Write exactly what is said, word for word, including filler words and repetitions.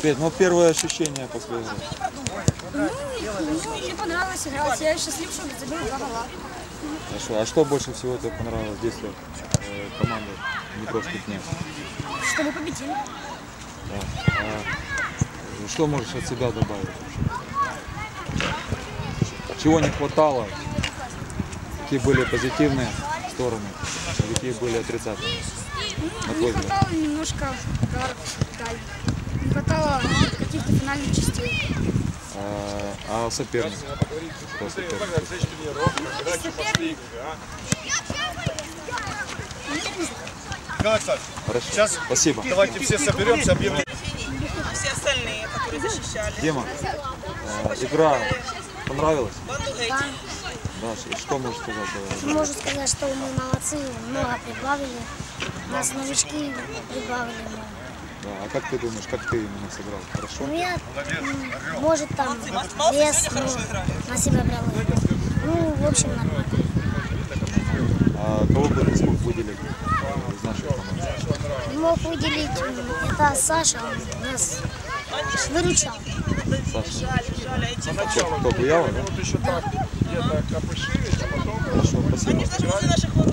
Петь, ну первое ощущение после игры. Ну, мне понравилось играть. Я счастлив, что забил два гола. Хорошо. А что больше всего тебе понравилось в действиях э, команды Днепровских дней? Чтобы победили. Да. А что можешь от себя добавить вообще? Чего не хватало? Какие были позитивные стороны? Какие были отрицательные? Ну, не хватало немножко ударов вдаль. Не хватало каких-то финальных частей. А, а соперник? Что соперник? Соперник. Хорошо. Сейчас Спасибо. давайте все соберемся, объявим. А все остальные, которые защищали. Дима, э, игра понравилась? Да, что можешь сказать? Могу сказать, что мы молодцы, много прибавили. Нас новички прибавили много. Да, а как ты думаешь, как ты именно сыграл? Хорошо? Ну, я, м, может, там вес, но на себя брал. Ну, в общем, нормально. А кого бы ты смог выделить из нашей команды? Мог выделить, м, это Саша, он нас выручал. Саша. Кто, кто Буява, да? Вот еще так, где-то копышились, а потом... Хорошо, спасибо. Наших